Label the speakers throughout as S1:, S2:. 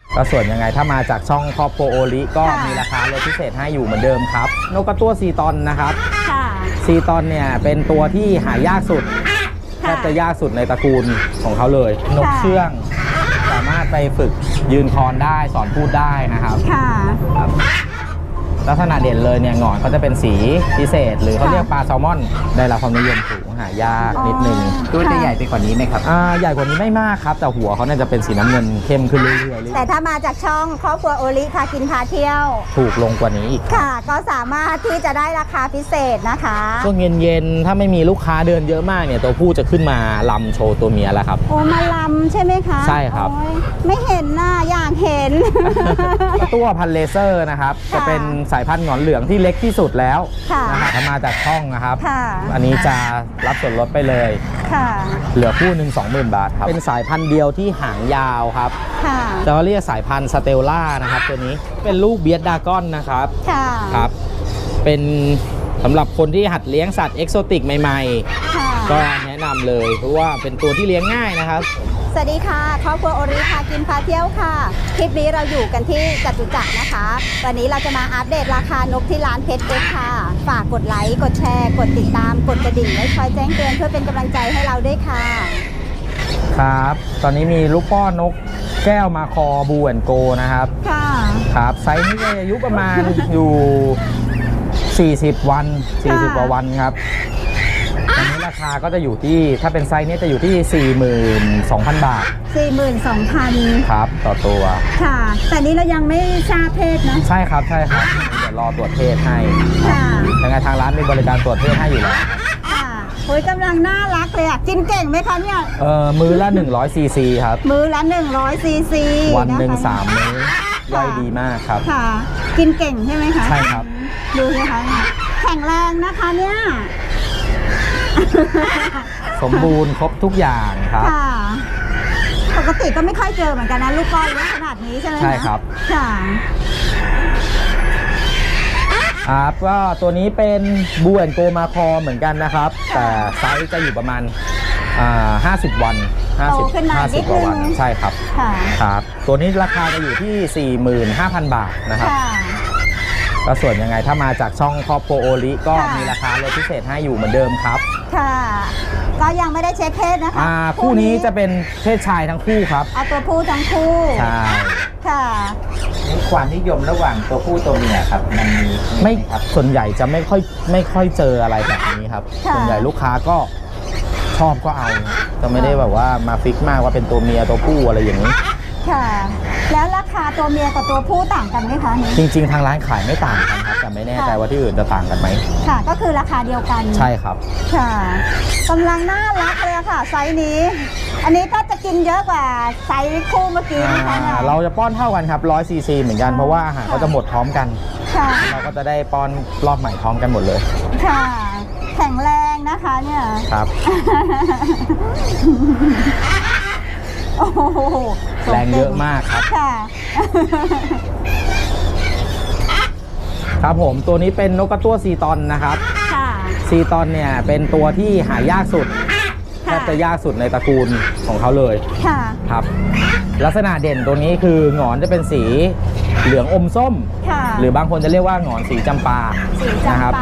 S1: ก็ส่วนยังไงถ้ามาจากช่องครอบครัวโอริก็มีราคาลดพิเศษให้อยู่เหมือนเดิมครับนกกระตั้วซีตอนนะครับซีตอนเนี่ยเป็นตัวที่หายากสุดแทบจะยากสุดในตระกูลของเขาเลยนกเชื่องสามารถไปฝึกยืนคอนได้สอนพูดได้นะครับลักษณะเด่นเลยเนี่ยหงอนเขาจะเป็นสีพิเศษหรือเขาเรียกปลาแซลมอนได้รับความนิยมสูงหายากนิดนึง
S2: ตัวจะใหญ่ไปกว่านี้ไหมครับ
S1: ใหญ่กว่านี้ไม่มากครับแต่หัวเขาเนี่ยจะเป็นสีน้ำเงินเข้มขึ้นเรื่อย
S3: ๆแต่ถ้ามาจากช่องครอบครัวโอริพากินพาเที่ยว
S1: ถูกลงกว่านี้อีก
S3: ค่ะก็สามารถที่จะได้ราคาพิเศษนะคะ
S1: ช่วงเย็นๆถ้าไม่มีลูกค้าเดินเยอะมากเนี่ยตัวผู้จะขึ้นมาลำโชว์ตัวเมียแล้วครับ
S3: โอ้มาลำใช่ไหมคะ
S1: ใช่ครับ
S3: ไม่เห็นน่ะอยากเห็น
S1: ตัวพันเลเซอร์นะครับจะเป็นสายพันธุ์หงอนเหลืองที่เล็กที่สุดแล้วนะครับถ้ามาจากช่องนะครับอันนี้จะรับส่วนลดไปเลยเหลือคู่หนึ่ง 20,000 บาทครับเป็นสายพันธุ์เดียวที่หางยาวครับจะเรียกสายพันธุ์สเตลล่านะครับตัวนี้เป็นลูกเบียดดากอนนะครับครับเป็นสำหรับคนที่หัดเลี้ยงสัตว์เอกโซติกใหม่ๆก็แนะนำเลยเพราะว่าเป็นตัวที่เลี้ยงง่ายนะครับ
S3: สวัสดีค่ะครอบครัวโอริพากินพาเที่ยวค่ะคลิปนี้เราอยู่กันที่จตุจักรนะคะวันนี้เราจะมาอัปเดตราคานกที่ร้านเพชรเอ็กค่ะฝากกดไลค์กดแชร์กดติดตามกดกระดิ่งไว้คอยแจ้งเตือนเพื่อเป็นกำลังใจให้เราด้วยค่ะ
S1: ครับตอนนี้มีลูกป้อนนกแก้วมาคอบูแอนโกนะครับครับไซส์นี้อายุประมาณอยู่40 วัน40 กว่าวันครับตอนนี้ราคาก็จะอยู่ที่ถ้าเป็นไซส์นี้จะอยู่ที่ 42,000 บาท
S3: 42,000
S1: ครับต่อตัว
S3: ค่ะแต่นี้เรายังไม่ทราบเพศนะ
S1: ใช่ครับเดี๋ยวรอตรวจเพศให้ยังไงทางร้านมีบริการตรวจเพศให้อยู่แล้ว
S3: โอ้ยกำลังน่ารักเลยอ่ะกินเก่งไหมคะเนี่ย
S1: มื้อละ100 ซีซีครับ
S3: มื้อละ100 ซีซี
S1: วันหนึ่ง3 มื้อย่อยดีมากครับ
S3: ค่ะกินเก่งใช่ไหมคะ
S1: ใช่ครับ
S3: ดูสิคะแข็งแรงนะคะเนี่ย
S1: สมบูรณ์ครบทุกอย่างครับ
S3: ปกติก็ไม่ค่อยเจอเหมือนกันนะลูกก้อนเล็กขนาดนี้ใช่ไหม
S1: ใช่ครับ
S3: ค่ะ
S1: ครับก็ตัวนี้เป็นบูแอนโกมาคอเหมือนกันนะครับแต่ไซส์จะอยู่ประมาณ50 วัน50 กว่าวันใช่ครับครับตัวนี้ราคาจะอยู่ที่ 45,000 บาทนะครับก็ส่วนยังไงถ้ามาจากช่องครอบครัวโอริก็มีราคาลดพิเศษให้อยู่เหมือนเดิมครับ
S3: ค่ะก็ยังไม่ได้เช็คเพศนะคะ
S1: คู่นี้จะเป็นเพศชายทั้งคู่ครับ
S3: เอาตัวผู้ทั้งคู่
S1: ใช่
S3: ค่ะ
S2: ความนิยมระหว่างตัวผู้ตัวเมียครับมันมี
S1: ไม่ส่วนใหญ่จะไม่ค่อยเจออะไรแบบนี้ครับส่วนใหญ่ลูกค้าก็ชอบก็เอาจะไม่ได้แบบว่ามาฟิกมากว่าเป็นตัวเมียตัวผู้อะไรอย่างนี้
S3: ค่ะแล้วราคาตัวเมียกับตัวผู้ต่างกันไหมคะ
S1: จริงๆทางร้านขายไม่ต่างกันครับแต่ไม่แน่ใจว่าที่อื่นจะต่างกันไหม
S3: ค่ะก็คือราคาเดียวกัน
S1: ใช่ครับ
S3: ค่ะกำลังน่ารักเลยค่ะไซส์นี้อันนี้ก็จะกินเยอะกว่าไซส์คู่เมื่อกี้นะคะ
S1: เราจะป้อนเท่ากันครับ100 ซีซีเหมือนกันเพราะว่าอาหารเขาจะหมดพร้อมกันเราก็จะได้ป้อนรอบใหม่พร้อมกันหมดเลย
S3: ค่ะแข็งแรงนะคะเนี่ย
S1: ครับ
S3: โอ้โห
S1: แรงเยอะมากครับครับผมตัวนี้เป็นนกกระตั้วซีตอนนะครับซีตอนเนี่ยเป็นตัวที่หายากสุดแทบจะยากสุดในตระกูลของเขาเลยครับลักษณะเด่นตัวนี้คือหงอนจะเป็นสีเหลืองอมส้มหรือบางคนจะเรียกว่าหงอนสีจำปานะครับ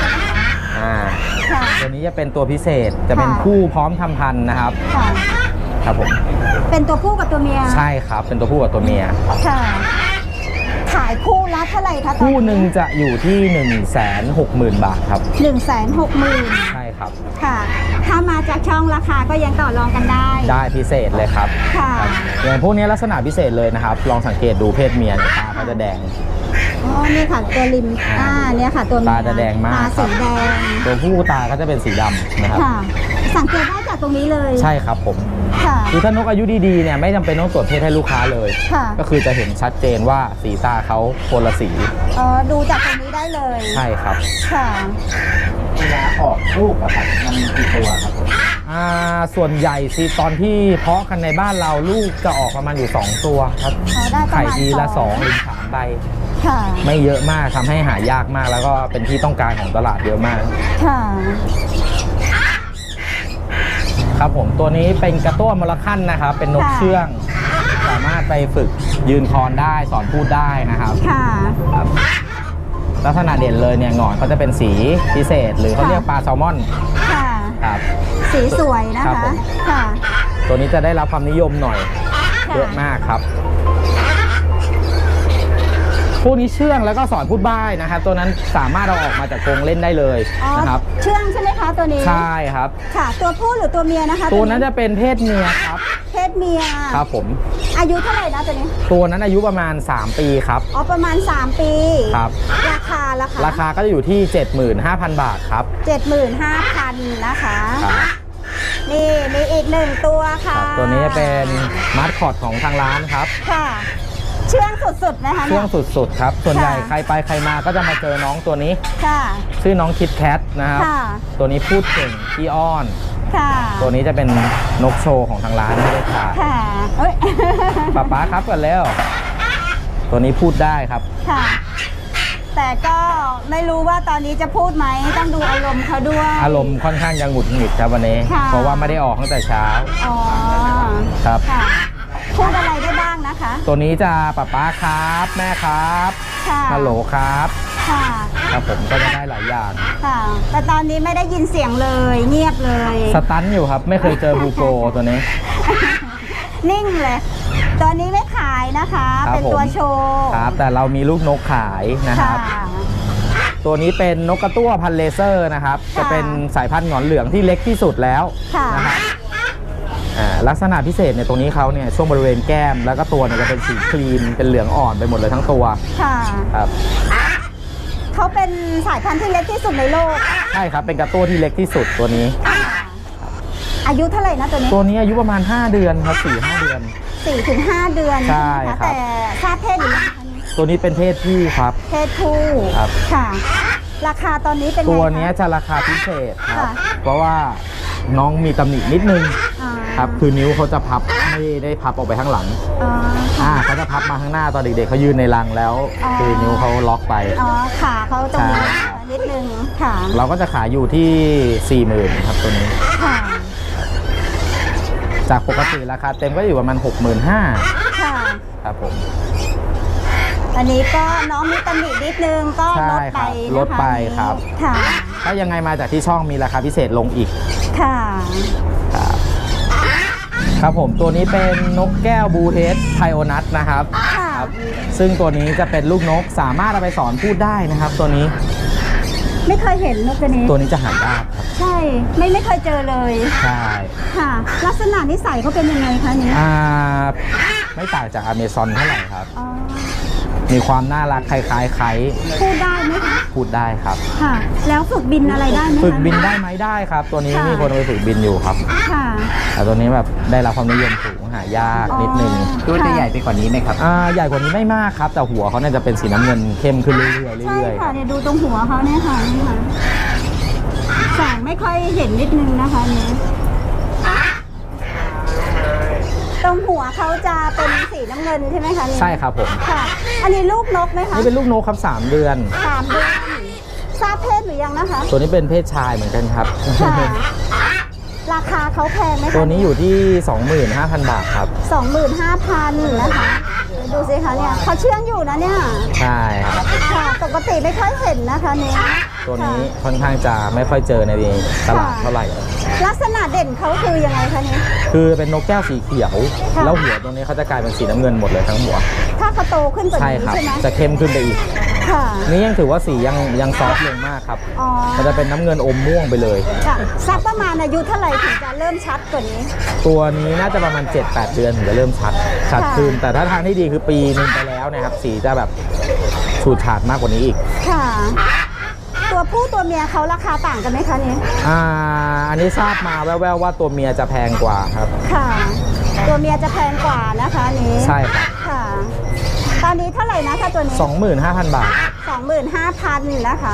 S1: ตัวนี้จะเป็นตัวพิเศษจะเป็นคู่พร้อมทำพันธุ์นะครับครับผม
S3: เป็นตัวผู้กับตัวเมีย
S1: ใช่ครับเป็นตัวผู้กับตัวเมีย
S3: ค่ะขายคู่ละเท่าไหร่คะ
S1: คู่หนึ่งจะอยู่ที่ 160,000 บาทครับ
S3: 160,000
S1: ใช่ครับ
S3: ค่ะถ้ามาจากช่องราคาก็ยังต่อรองกันได้
S1: พิเศษเลยครับ
S3: ค่ะ
S1: อย่างพวกนี้ลักษณะพิเศษเลยนะครับลองสังเกตดูเพศเมียตาเขาจะแดง
S3: อ๋อนี่ค่ะตัวริมเนี่ยค่ะตัวเมีย
S1: ตาจะแดงมาก
S3: ตาสีแดง
S1: ตัวผู้ตาก็จะเป็นสีดำนะครับ
S3: สังเกตได้จากตรงนี้เลย
S1: ใช่ครับผมคือถ้านกอายุดีๆเนี่ยไม่จำเป็นต้องตรวจเพศให้ลูกค้าเลยก็คือจะเห็นชัดเจนว่าสีตาเขาคนละสี
S3: ดูจากตรงนี้ได้เลย
S1: ใช่ครับ
S3: ค่ะ
S2: เวลาออกลูกอะครับมันมีกี่ตัวครับ
S1: ส่วนใหญ่สิตอนที่เพาะกันในบ้านเราลูกจะออกประมาณอยู่2 ตัวครับไข่ทีละ2 หรือ 3 ใบไม่เยอะมากทำให้หายากมากแล้วก็เป็นที่ต้องการของตลาดเยอะมากครับผมตัวนี้เป็นกระตั้วมอลคันนะครับเป็นนกเชื่องสามามารถไปฝึกยืนคอนได้สอนพูดได้นะครับ
S3: ค่ะ
S1: ครับลักษณะเด่นเลยเนี่ยหงอนเขาจะเป็นสีพิเศษ หรือเขาเรียกปลาแซลมอน
S3: ค่ะ
S1: ครับ
S3: สีสวยนะ
S1: ครั
S3: คะ
S1: บผม
S3: ค่ะ
S1: ตัวนี้จะได้รับความนิยมหน่อย
S3: ค่ะ
S1: เยอะมากครับพวกนี้เชื่องแล้วก็สอนพูดบ้ายนะครับ ตัวนั้นสามารถเอาออกมาจากกรงเล่นได้เลย
S3: อ๋อ
S1: นะครับ
S3: เชื่องใช่ไหมคะตัวนี้
S1: ใช่ครับ
S3: ค่ะ ตัวผู้หรือตัวเมียนะคะ
S1: ตัวนั้นจะเป็นเพศเมียครับ
S3: เพศเมีย
S1: ครับผม
S3: อายุเท่าไหร่นะตัวนี้
S1: ตัวนั้นอายุประมาณ 3 ปีครับ
S3: อ๋อประมาณ 3 ปี
S1: ครับ
S3: ราคาละคะ
S1: ราคาก็จะอยู่ที่ 75,000 บาทครับ
S3: 75,000นะคะ
S1: ครับ
S3: นี่มีอีกหนึ่งตัว
S1: ค
S3: ค่ะ
S1: รับตัวนี้จะเป็นมาสคอตของทางร้านครับ
S3: ค่ะ เชื่องสุดๆนะคะ
S1: ช่วง
S3: เนี่ย
S1: สุดๆครับ ส่วนใหญ่
S3: ค่ะ
S1: ใครไปใครมาก็จะมาเจอน้องตัวนี้
S3: ค่ะ
S1: ชื่อน้องคิดแคทนะครับ
S3: ค่ะ
S1: ตัวนี้พูดเก่งขี้อ้อน
S3: ค่ะ
S1: ตัวนี้จะเป็นนกโชว์ของทางร้านไม่ได้ขาย
S3: ค่ะเอ้ย
S1: ป๊าครับกันแล้ว ตัวนี้พูดได้ครับ
S3: ค่ะ แต่ก็ไม่รู้ว่าตอนนี้จะพูดไหมต้องดูอารมณ์เขาด้วย
S1: อารมณ์ค่อนข้างยังหงุดหงิดครับวันนี้
S3: ค่ะ
S1: เพราะว่าไม่ได้ออกตั้งแต่เช้า
S3: อ๋อ
S1: ครับ
S3: ค่ะพูดอะไรได้บ้างนะคะ
S1: ตัวนี้จะป๊าครับแม่ครับ
S3: ค่ะ
S1: ฮัลโหลครับ
S3: ค่ะ
S1: ครับผมก็จะได้หลายอย่าง
S3: ค่ะ แต่ตอนนี้ไม่ได้ยินเสียงเลย เงียบเลย
S1: สตันอยู่ครับไม่เคยเจอบูโกตัวนี้
S3: นิ่งเลย ตัวนี้ไม่ขายนะคะ
S1: ครับ
S3: เป็นตัว
S1: ผม
S3: โชว์
S1: ครับแต่เรามีลูกนกขายนะค
S3: ค่ะ
S1: รับ ตัวนี้เป็นนกกระตั้วพันธุ์เลเซอร์นะครับ
S3: ค่ะ
S1: จะเป็นสายพันธุ์หงอนเหลืองที่เล็กที่สุดแล้ว
S3: ค่ะ
S1: นะครับลักษณะพิเศษเนี่ยตรงนี้เขาเนี่ยช่วงบริเวณแก้มแล้วก็ตัวเนี่ยจะเป็นสีครีมเป็นเหลืองอ่อนไปหมดเลยทั้งตัว
S3: ค่ะ
S1: ครับ
S3: เขาเป็นสายพันธุ์ที่เล็กที่สุดในโลก
S1: ใช่ครับเป็นกระตั้วที่เล็กที่สุดตัวนี้
S3: อายุเท่าไหร่นะตัวนี้
S1: ตัวนี้อายุประมาณ 5 เดือนครับ 4-5 เดือน
S3: 4-5 เดือน
S1: ใช่
S3: ไหม
S1: ครับ
S3: แต่ทราบเพศหรือยังคะนี่
S1: ตัวนี้เป็นเพศผู้ครับ
S3: เพศผู้
S1: ครับ
S3: ค่ะ ราคาตอนนี้เป็นไงคะ
S1: ตัวเนี้ยจะราคาพิเศษครับ
S3: ค่ะ
S1: เพราะว่าน้องมีตำหนินิดนึง
S3: อ่า
S1: ครับคือนิ้วเขาจะพับไม่ได้พับออกไปข้างหลัง
S3: อ๋อค่ะ
S1: เขาจะพับมาข้างหน้าตอนเด็กๆเขายืนในรังแล้ว
S3: อ๋อ
S1: คือนิ้วเขาล็อกไป
S3: อ๋อขาเขาตรงนี้
S1: ใช่
S3: นิดนึงค่ะ
S1: เราก็จะขายอยู่ที่ 40,000ครับตัวนี้
S3: ค่ะ
S1: จากปกติราคาเต็มก็อยู่ประมาณ 65,000
S3: ค่ะ
S1: ครับผม
S3: อันนี้ก็น้องมีตำหนินิดนึงก็
S1: ใช่
S3: ลดไป
S1: ครับ
S3: นะคะ
S1: ลดไปครับ
S3: ค่ะ
S1: ถ้ายังไงมาจากที่ช่องมีราคาพิเศษลงอีก
S3: ค่ะ
S1: ครับครับผมตัวนี้เป็นนกแก้วบลูเฮดไพโอนัทนะครับ
S3: ค่ะ
S1: ครับ ซึ่งตัวนี้จะเป็นลูกนกสามารถเอาไปสอนพูดได้นะครับ ตัวนี้
S3: ไม่เคยเห็นนกตัวนี้
S1: ตัวนี้จะหายากครับ
S3: ใช่ไม่เคยเจอเลย
S1: ใช่
S3: ค่ะ ลักษณะนิสัยเขาเป็นยังไงคะนี้
S1: ไม่ต่างจากอเมซอนเท่าไหร่ครับ
S3: อ๋อ
S1: มีความน่ารักคล้ายๆไคล้
S3: พูดได้ไหมคะ
S1: พูดได้ครับ
S3: ค่ะ แล้วฝึกบินอะไรได้ไหมคะ
S1: ฝึกบินได้ไหมได้ครับ ตัวนี้
S3: ค่ะ
S1: มีคนเอาไปฝึกบินอยู่ครับ
S3: ค่ะ
S1: แต่ตัวนี้แบบได้รับความนิยมสูงหายากนิดนึง
S2: ตัวจะใหญ่ไปกว่านี้ไหมครับ
S1: ใหญ่กว่านี้ไม่มากครับ แต่หัวเขาเนี่ยจะเป็นสีน้ำเงินเข้มขึ้นเรื่อยๆ
S3: ใช่
S1: เรื่อยๆค
S3: ค่ะ
S1: รับ
S3: เนี่ยดูตรงหัวเขาเนี่ยค่ะนี่ค่ะแสงไม่ค่อยเห็นนิดนึงนะคะนี้ตรงหัวเขาจะเป็นสีน้ำเงินใช่ไหมคะนี่
S1: ใช่ครับผม
S3: ค่ะ อันนี้ลูกนกไหมคะ
S1: นี่เป็นลูกนกครับ 3 เดือน
S3: 3 เดือนทราบเพศหรือยังนะคะ
S1: ตัวนี้เป็นเพศชายเหมือนกันครับ
S3: ค่ะ ราคาเขาแพงไหมคะ
S1: ตัวนี้อยู่ที่ 25,000 บาทครับ
S3: 25,000นะคะดูสิคะเนี่ยเขาเชื่องอยู่นะเนี่ย
S1: ใช่ครับ
S3: ค่ะปกติไม่ค่อยเห็นนะคะเนี่ย
S1: ตัวนี้ค่อนข้างจะไม่ค่อยเจอในตลาดเท่าไหร่
S3: ลักษณะเด่นเขาคือยังไงคะเนี่ย
S1: คือเป็นนกแก้วสีเขียว
S3: ค่ะ
S1: แล้วหัวตรงนี้เขาจะกลายเป็นสีน้ำเงินหมดเลยทั้งหัว
S3: ถ้าเขาโตขึ้นกว่า
S1: ใช่
S3: นี้
S1: ครับ
S3: ใช่ไหม
S1: จะเข้มขึ้นไปอีก
S3: ค่ะ
S1: นี่ยังถือว่าสียังซอฟต์ลงมากครับ
S3: อ๋อ
S1: มันจะเป็นน้ำเงินอมม่วงไปเลย
S3: ค่ะสักประมาณอายุเท่าไหร่ถึงจะเริ่มชัดกว่านี้
S1: ตัวนี้น่าจะประมาณ 7-8 เดือนถึงจะเริ่มชัด
S3: ค่ะ
S1: ขึ้น แต่ถ้าทางที่ดีคือปีนึงไปแล้วนะครับ สีจะแบบฉูดฉาดมากกว่านี้อีก
S3: ค่ะ ตัวผู้ตัวเมียเขาราคาต่างกันไหมคะเนี่ย
S1: อันนี้ทราบมาแว่วๆว่าตัวเมียจะแพงกว่าครับ
S3: ค่ะ ตัวเมียจะแพงกว่านะคะอันนี้
S1: ใช่ครับ
S3: ค่ะ ตอนนี้เท่าไหร่นะถ้าตัวนี้
S1: 25,000 บาท
S3: 25,000นะคะ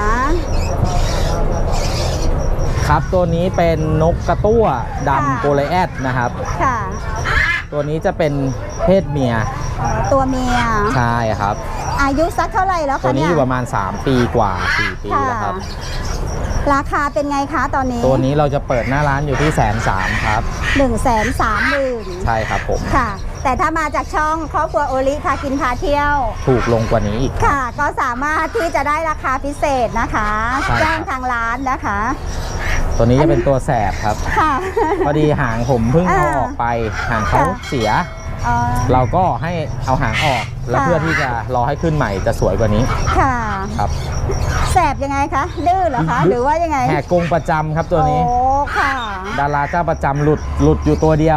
S1: ครับตัวนี้เป็นนกกระตั้วดำโกลแอดนะครับ
S3: ค่ะ
S1: ตัวนี้จะเป็นเพศเมีย
S3: ตัวเมีย
S1: ใช่ครับ
S3: อายุสักเท่าไหร่แล้ว
S1: ตัว
S3: คะ
S1: นี้
S3: เนี่
S1: อย ยู่ประมาณ 3 ปีกว่า 4 ปี
S3: ค่ะ
S1: แล้วครับ
S3: ราคาเป็นไงคะตอนนี้
S1: ตัวนี้เราจะเปิดหน้าร้านอยู่ที่130,000ครับ
S3: 130,000
S1: ใช่ครับผม
S3: ค่ะแต่ถ้ามาจากช่องครอบครัวโอริพากินพาเที่ยว
S1: ถูกลงกว่านี้อีก
S3: ค่ะ ก็สามารถที่จะได้ราคาพิเศษนะคะ
S1: ใช่ครับ
S3: แจ้งทางร้านนะคะ
S1: ตัวนี้จะเป็นตัวแสบครับ
S3: ค่ะ
S1: พอดีหางผมเพิ่งเอาออกไปหางเขา
S3: ค่ะ
S1: เสีย
S3: อ๋อ
S1: เราก็ให้เอาหางออก แล้ว
S3: ค่ะ
S1: เพื่อที่จะรอให้ขึ้นใหม่จะสวยกว่านี้
S3: ค่ะ
S1: ครับ
S3: แสบยังไงคะดื้อเหรอคะ หรือว่ายังไง
S1: แหกกรงประจำครับตัวนี้
S3: โอ้ค่ะ
S1: ดาราเจ้าประจำหลุดอยู่ตัวเดียว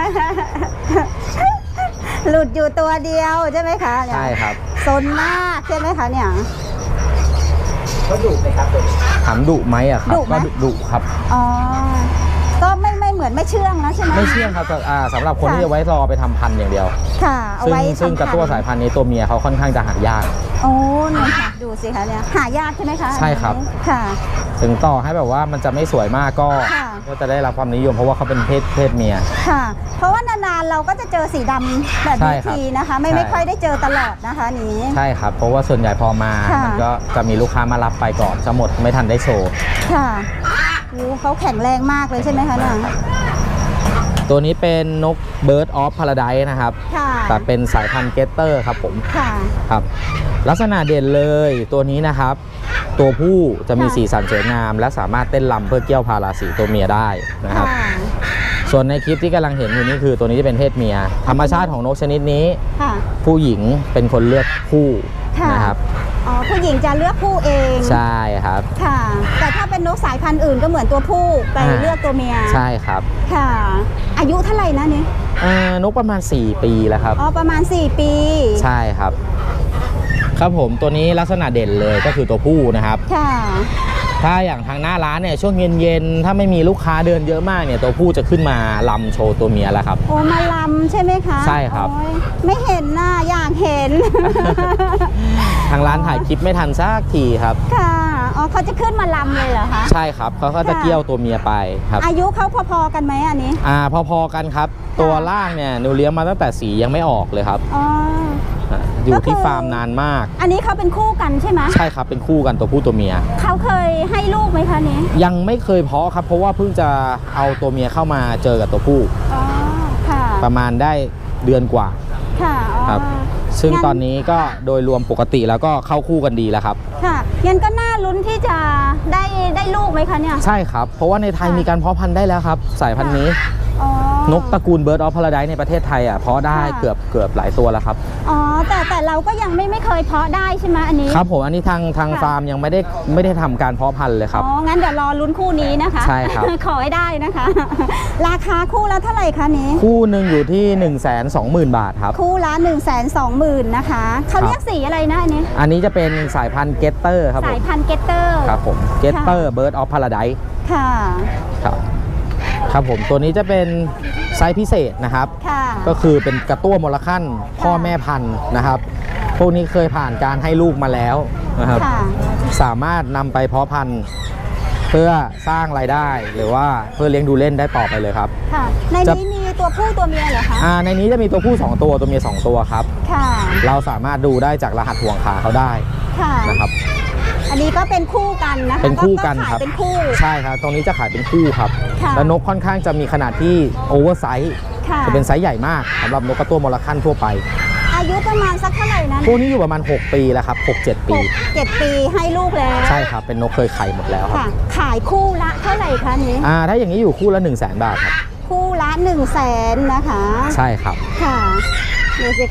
S3: หลุดอยู่ตัวเดียวใช่ไหมคะเนี่ย
S1: ใช่ครับ
S3: ซนมากใช่ไหมคะเนี่ย
S2: เขาดุไหมครับตัวนี้
S1: ถามดุไหมอะครับ
S3: ดุไหม
S1: ก็ดุครับ
S3: อ๋อ ก็ไม่เหมือนไม่เชื่องนะใช่ไหม
S1: ไม่เชื่องครับสำหรับคน
S3: ค่ะ
S1: ที่จะไว้รอไปทำพันธุ์อย่างเดียว
S3: ค่ะ เอาไว้
S1: ซึ่งกระตั้วสายพันธุ์นี้ตัวเมียเขาค่อนข้างจะหายาก
S3: โอ้เนี่ยค่ะ ดูสิคะเนี่ย หายากใช่ไหมคะ
S1: ใช่ครับ
S3: อันนี้ค่ะ
S1: ถึงต่อให้แบบว่ามันจะไม่สวยมากก็
S3: ค่ะ
S1: ก็จะได้รับความนิยมเพราะว่าเขาเป็นเพศเมีย
S3: ค่ะ เพราะว่านานๆเราก็จะเจอสีดำแบบ
S1: ใช่
S3: นี้
S1: ครับ
S3: ทีนะคะ ไม่
S1: ใช่
S3: ไม่ค่อยได้เจอตลอดนะคะนี้
S1: ใช่ครับ เพราะว่าส่วนใหญ่พอมา
S3: ค่ะ
S1: มันก็จะมีลูกค้ามารับไปก่อนจะหมดไม่ทันได้โชว์
S3: ค่ะโอ้เขาแข็งแรงมากเลยใช่ไหมคะเนี่ย
S1: ตัวนี้เป็นนก Bird of Paradise นะครับ
S3: ค่ะ
S1: แต่เป็นสายพันธุ์เกตเตอร์ครับผม
S3: ค่ะ
S1: ครับ ลักษณะเด่นเลยตัวนี้นะครับ ตัวผู้จะมี
S3: ค่ะ
S1: สีสันสวยงาม และสามารถเต้นรำเพื่อเกี่ยวพาราสีตัวเมียได้นะครับ
S3: ค่ะ
S1: ส่วนในคลิปที่กำลังเห็นอยู่นี่คือตัวนี้จะเป็นเพศเมีย ธรรมชาติของนกชนิดนี้
S3: ค่ะ
S1: ผู้หญิงเป็นคนเลือกคู่
S3: ค่ะ
S1: นะครับ
S3: อ๋อ ผู้หญิงจะเลือกผู้เอง
S1: ใช่ครับ
S3: ค่ะ แต่ถ้าเป็นนกสายพันธุ์อื่นก็เหมือนตัวผู้ไป
S1: อ่า
S3: เลือกตัวเมีย
S1: ใช่ครับ
S3: ค่ะ อายุเท่าไหร่นะเนี่ย
S1: นกประมาณ 4 ปีแล้วครับ
S3: อ๋อ ประมาณ 4 ปี
S1: ใช่ครับ ครับผมตัวนี้ลักษณะเด่นเลยก็คือตัวผู้นะครับ
S3: ค่ะ
S1: ถ้าอย่างทางหน้าร้านเนี่ยช่วงเย็นๆถ้าไม่มีลูกค้าเดินเยอะมากเนี่ยตัวผู้จะขึ้นมาลำโชว์ตัวเมียแล้วครับ
S3: โอ้ มาลำใช่ไหมคะ
S1: ใช่ครับ
S3: โอ้ยไม่เห็นน่ะอยากเห็น
S1: ทางร้านถ่ายคลิปไม่ทันสักทีครับ
S3: ค่ะ อ๋อเขาจะขึ้นมาลำเลยเหรอคะ
S1: ใช่ครับเขาก็จะเกี่ยวตัวเมียไปครับ
S3: อายุเขาพอๆกันไหมอันนี้
S1: พอๆกันครับ ตัวล่างเนี่ยหนูเลี้ยงมาตั้งแต่สียังไม่ออกเลยครับ
S3: อ๋อ
S1: อยู่ที่
S3: ก็คือ
S1: ฟาร์มนานมาก
S3: อันนี้เขาเป็นคู่กันใช่ไหม
S1: ใช่ครับเป็นคู่กันตัวผู้ตัวเมีย
S3: เขาเคยให้ลูกไหมคะนี้
S1: ยังไม่เคยเพาะครับ เพราะว่าเพิ่งจะเอาตัวเมียเข้ามาเจอกับตัวผู้
S3: อ๋อ ค่ะ
S1: ประมาณได้เดือนกว่า
S3: ค่ะ อ๋อ
S1: ครับ ซึ่ง
S3: งั้น
S1: ตอนนี้ก็โดยรวมปกติแล้วก็เข้าคู่กันดีแล้วครับ
S3: ค่ะงั้นก็น่าลุ้นที่จะได้ลูกไหมคะเนี่ย
S1: ใช่ครับ เพราะว่าในไทย
S3: ค่ะ
S1: มีการเพาะพันธุ์ได้แล้วครับ สายพันธุ์นี้
S3: อ๋อ
S1: นกตระกูล Bird of Paradise ในประเทศไทยเพาะได้
S3: ค่ะ
S1: เกือบหลายตัวแล้วครับ
S3: อ๋อ แต่เราก็ยังไม่เคยเพาะได้ใช่ไหมอันนี้
S1: ครับผมอันนี้ทาง
S3: ค่ะ
S1: ฟาร์มยังไม่ได้ทำการเพาะพันธุ์เลยครับ
S3: อ๋อ งั้นเดี๋ยวรอลุ้นคู่นี้นะคะ
S1: ใช่ครับ
S3: ขอให้ได้นะคะ ราคาคู่ละเท่าไหร่คะนี้
S1: คู่หนึ่งอยู่ที่ 120,000 บาทครับ
S3: คู่ละ120,000นะคะเขาเรียกสีอะไรนะอันนี้
S1: อันนี้จะเป็นสายพันธุ์เกตเตอร์ครับผ
S3: สาย
S1: ม
S3: พันธุ์เกตเตอร์
S1: ครับผมเกตเตอร์ Bird of Paradise
S3: ค่ะ
S1: ครับครับผมตัวนี้จะเป็นไซส์พิเศษนะครับ
S3: ค่ะ
S1: ก็คือเป็นกระตั้วมลคั่นพ่อแม่พันธุ์นะครับ พวกนี้เคยผ่านการให้ลูกมาแล้วนะครับ
S3: ค่ะ
S1: สามารถนำไปเพาะพันธุ์เพื่อสร้างรายได้หรือว่าเพื่อเลี้ยงดูเล่นได้ต่อไปเลยครับ
S3: ค่ะ ในนี้มีตัวผู้ตัวเมียเหรอคะ
S1: ในนี้จะมีตัวผู้ 2 ตัวตัวเมีย2 ตัวครับ
S3: ค่ะ
S1: เราสามารถดูได้จากรหัสห่วงขาเขาได้
S3: ค่ะ
S1: นะครับ
S3: อันนี้ก็เป็นคู่กันนะคะ
S1: เป็นคู่กัน
S3: ขาย
S1: ครับ
S3: เป็นคู่
S1: ใช่ครับ ตรงนี้จะขายเป็นคู่ครับ
S3: ค่ะ
S1: และนกค่อนข้างจะมีขนาดที่โอเวอร์ไซส์
S3: ค่ะ
S1: จะเป็นไซส์ใหญ่มากสำหรับนกกระตั้วมลคั่นทั่วไป
S3: อายุประมาณสักเท่าไหร่นะ
S1: พวกนี้อยู่ประมาณ 6 ปีแล้วครับ 6-7 ปี
S3: 7 ปีให้ลูกแล้ว
S1: ใช่ครับ เป็นนกเคยไข่หมดแล้วครับ
S3: ค่ะ ขายคู่ละเท่าไหร่คะนี้
S1: ถ้าอย่างนี้อยู่คู่ละ 100,000 บาทครับ
S3: คู่ละ100,000นะคะ
S1: ใช่ครับ
S3: ค่ะดูสิคะ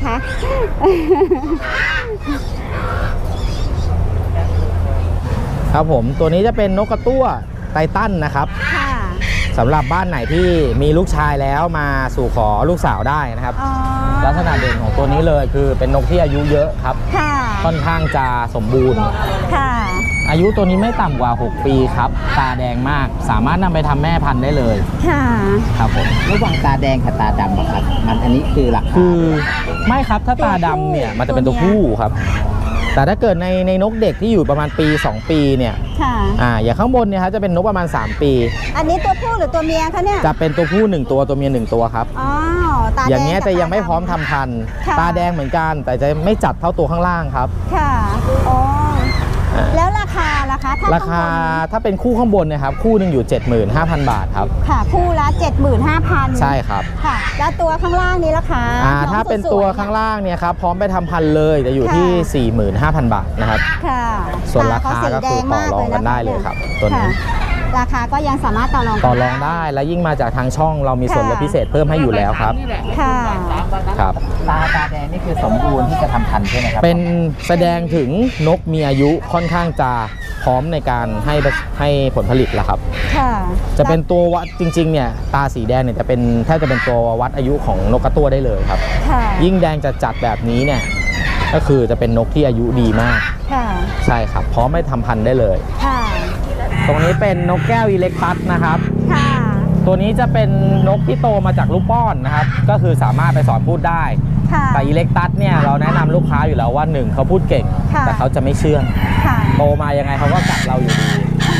S1: ครับผมตัวนี้จะเป็นนกกระตั้วไททันนะครับ
S3: ค่ะ
S1: สำหรับบ้านไหนที่มีลูกชายแล้วมาสู่ขอลูกสาวได้นะครับ
S3: อ๋อ
S1: ลักษณะเด่นของตัวนี้เลยคือเป็นนกที่อายุเยอะครับ
S3: ค่ะ
S1: ค่อนข้างจะสมบูรณ์
S3: ค่ะ
S1: อายุตัวนี้ไม่ต่ำกว่า 6 ปีครับตาแดงมากสามารถนำไปทำแม่พันธุ์ได้เลย
S3: ค่ะ
S1: ครับผม
S2: ระหว่างตาแดงกับตาดำอะครับ มันอันนี้คือหลัก
S1: คือไม่ครับถ้าตาดำเนี่ยมันจะเป็นตัวผู้ครับ แต่ถ้าเกิดในนกเด็กที่อยู่ประมาณปี 2 ปีเนี่ย
S3: ค่ะ
S1: อย่างข้างบนเนี่ยครับจะเป็นนกประมาณ 3 ปี
S3: อันนี้ตัวผู้หรือตัวเมียคะเนี่ย
S1: จะเป็นตัวผู้ 1 ตัวตัวเมีย1 ตัวครับ
S3: อ๋อ ตาแดง
S1: อย่างเงี้ย
S3: กับ
S1: จะยังไม่
S3: ตาดำ
S1: พร้อมทำพันธุ์
S3: ค่ะ
S1: ตาแดงเหมือนกัน แต่จะไม่จัดเท่าตัวข้างล่างครับ
S3: ค่ะ อ๋อแล้วราคาล่ะคะ
S1: ราคาถ้าเป็นคู่ข้างบนเนี่ยครับคู่หนึ่งอยู่ 75,000 บาทครับ
S3: ค่ะคู่ละ 75,000
S1: ใช่ครับ
S3: ค่ะแล้วตัวข้างล่างนี้ราคา
S1: ถ้าเป็นตัวข้างล่างเนี่ยครับพร้อมไปทำพันธุ์เลยจะอยู่ที่ 45,000 บาทนะครับ
S3: ค่ะ
S1: ส่วนราคาก็คือต่อรองกันได้เลยครับตัวนี้
S3: ราคาก็ยังสามารถต่อรอง
S1: ได้และยิ่งมาจากทางช่องเรามีส่วนลดพิเศษเพิ่มให้อยู่แล้วครับ
S3: ค่ะ
S1: ครับ
S2: ตาแดงนี่คือสมบูรณ์ที่จะทำพันธุ์ใช่ไหมครับ
S1: เป็นแสดงถึงนกมีอายุค่อนข้างจะพร้อมในการให้ผลผลิตแล้วครับจะเป็นตัววัดจริงๆเนี่ยตาสีแดงเนี่ยจะเป็นแทบจะเป็นตัววัดอายุของนกกระตั้วได้เลยครับยิ่งแดงจัดแบบนี้เนี่ยก็คือจะเป็นนกที่อายุดีมากใช่ครับพร้อมให้ทำพันธุ์ได้เลยตรงนี้เป็นนกแก้วอิเล็กตัสนะครับตัวนี้จะเป็นนกที่โตมาจากลูกป้อนนะครับก็คือสามารถไปสอนพูดได้แต่อิเล็กตัสเนี่ยเราแนะนำลูกค้าอยู่แล้วว่า1เขาพูดเก่งแต่เขาจะไม่เชื่องโตมายังไงเขาก็กัดเราอยู่ดี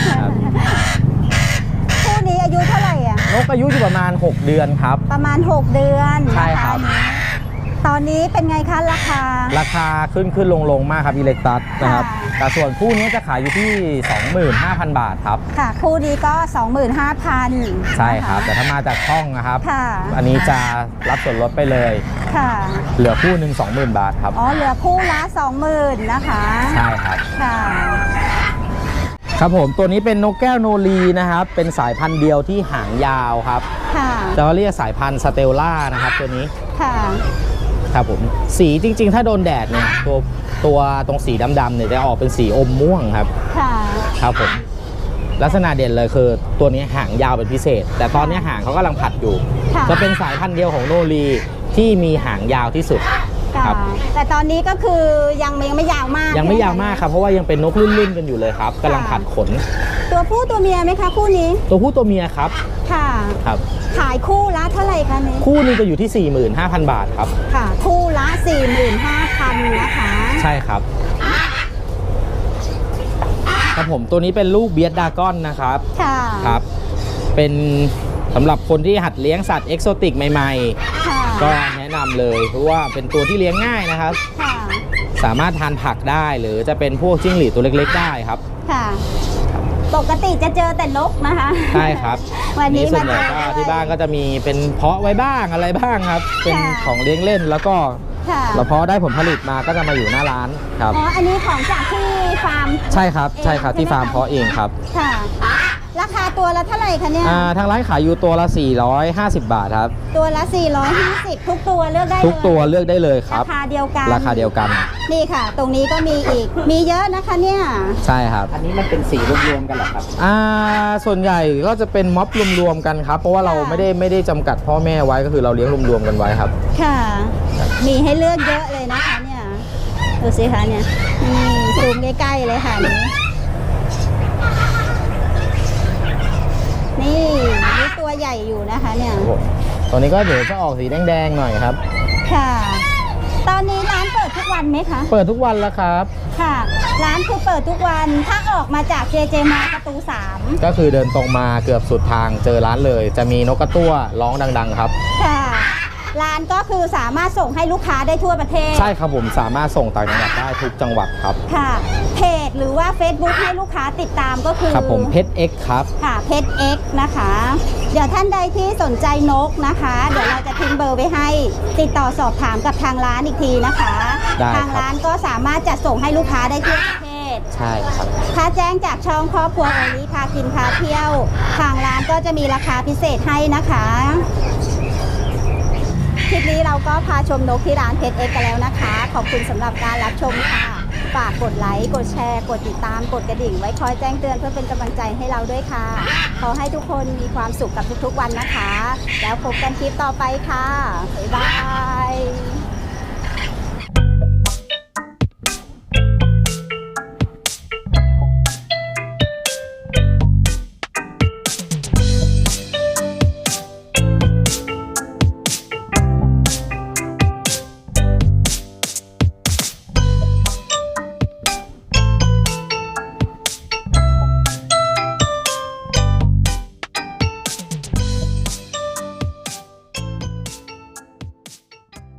S3: คู่นี้อายุเท่าไหร่อ่ะ
S1: นกอายุอยู่ประมาณ6เดือนครับ
S3: ประมาณ6เดือน
S1: ใช่ครับ
S3: ตอนนี้เป็นไงคะราคา
S1: ขึ้นลงมากครับอิเล็กตัสนะครับแต่ส่วนคู่นี้จะขายอยู่ที่ 25,000 บาทครับ
S3: ค่ะคู่นี้ก็ 25,000
S1: ใช่ครับแต่ถ้ามาจากช่องนะครับอันนี้จะรับส่วนลดไปเลยเหลือคู่หนึ่ง 20,000 บาทครับ
S3: เหลือคู่ละ 20,000 นะคะ
S1: ใช่ครับครับผมตัวนี้เป็นนกแก้วโนรีนะครับเป็นสายพันธุ์เดียวที่หางยาวครับจะเรียกสายพันธุ์สเตลล่านะครับตัวนี้ครับผมสีจริงๆถ้าโดนแดดเนี่ยตัวตรงสีดำๆเนี่ยจะออกเป็นสีอมม่วงครับครับผมลักษณะเด่นเลยคือตัวนี้หางยาวเป็นพิเศษแต่ตอนนี้หางเขากำลังผัดอยู่จะเป็นสายพันธุ์เดียวของโนรีที่มีหางยาวที่สุดครับ
S3: แต่ตอนนี้ก็คือยังไม่ยาวมาก
S1: ครับเพราะว่ายังเป็นนกรุ่นๆกันอยู่เลยครับกำลังผัดขน
S3: ตัวผู้ตัวเมียไหมคะคู่นี้
S1: ตัวผู้ตัวเมียครับครับ
S3: ขายคู่ละเท่าไหร่คะนี้
S1: คู่นึงจะอยู่ที่ 45,000 บาทครับ
S3: ค่ะคู่ละ 45,000 นะคะ
S1: ใช่ครับครับผมตัวนี้เป็นลูกเบียดดากอนนะครับครับเป็นสำหรับคนที่หัดเลี้ยงสัตว์เอกโซติกใหม่ๆก็แนะนำเลยเพราะว่าเป็นตัวที่เลี้ยงง่ายนะครับสามารถทานผักได้หรือจะเป็นพวกจิ้งหรีดตัวเล็กๆได้ครับ
S3: ปกติจะเจอแต่นกนะคะ
S1: ใช่ครับวันนี้ส่วนใหญ่ก็ที่บ้านก็จะมีเป็นเพาะไว้บ้างอะไรบ้างครับเป็นของเลี้ยงเล่นแล้วก็เราเพาะได้ผลผลิตมาก็จะมาอยู่หน้าร้านครับ
S3: อันนี้ของจากที่ฟาร์ม
S1: ใช่ครับที่ฟาร์มเพาะเองครับ
S3: ราคาตัวละเท่าไหร่คะเนี่ย
S1: ทางร้านขายอยู่ตัวละ450 บาทครับ
S3: ตัวละ450ทุกตัวเลือกได้
S1: ทุกตัวเลือกได้เลยครับ
S3: ราคาเดียวกัน นี่ค่ะตรงนี้ก็มีเยอะนะคะเนี่ย
S1: ใช่ครับ
S2: อันนี้มันเป็นสีรวมๆกันเหรอครับ
S1: ส่วนใหญ่ก็จะเป็นม็อบรวมๆกันครับเพราะว่าเราไม่ได้จำกัดพ่อแม่ไว้ก็คือเราเลี้ยงรวมๆกันไว้ครับ
S3: ค่ะมีให้เลือกเยอะเลยนะคะเนี่ยดูสิคะเนี่ยซูมใกล้ๆเลยค่ะนี่ตัวใหญ่อยู่นะคะเนี่ย
S1: ตัวนี้ก็เดี๋ยวจะออกสีแดงๆหน่อยครับ
S3: ค่ะตอนนี้ร้านเปิดทุกวันไหมคะ
S1: เปิดทุกวันแล้วครับ
S3: ค่ะร้านคือเปิดทุกวันถ้าออกมาจาก JJ มาประตู 3
S1: ก็คือเดินตรงมาเกือบสุดทางเจอร้านเลยจะมีนกกระตั้วร้องดังๆครับ
S3: ค่ะร้านก็คือสามารถส่งให้ลูกค้าได้ทั่วประเทศ
S1: ใช่ครับผมสามารถส่งต่างจังหวัดได้ทุกจังหวัดครับ
S3: ค่ะเพจหรือว่า Facebook ให้ลูกค้าติดตามก็คือ
S1: ครับผมเพชร X ครับ
S3: ค่ะเพชร X นะคะเดี๋ยวท่านใดที่สนใจนกนะคะเดี๋ยวเราจะทิ้งเบอร์ไว้ให้ติดต่อสอบถามกับทางร้านอีกทีนะคะทางร้านก็สามารถจัดส่งให้ลูกค้าได้ทั่วประเทศ
S1: ใช่ครับ
S3: ถ้าแจ้งจากช่องครอบครัวโอริพากินพาเที่ยวทางร้านก็จะมีราคาพิเศษให้นะคะคลิปนี้เราก็พาชมนกที่ร้านเพชร X กันแล้วนะคะขอบคุณสำหรับการรับชมค่ะฝากกดไลค์กดแชร์กดติดตามกดกระดิ่งไว้คอยแจ้งเตือนเพื่อเป็นกำลังใจให้เราด้วยค่ะขอให้ทุกคนมีความสุขกับทุกๆวันนะคะแล้วพบกันคลิปต่อไปค่ะบ๊ายบาย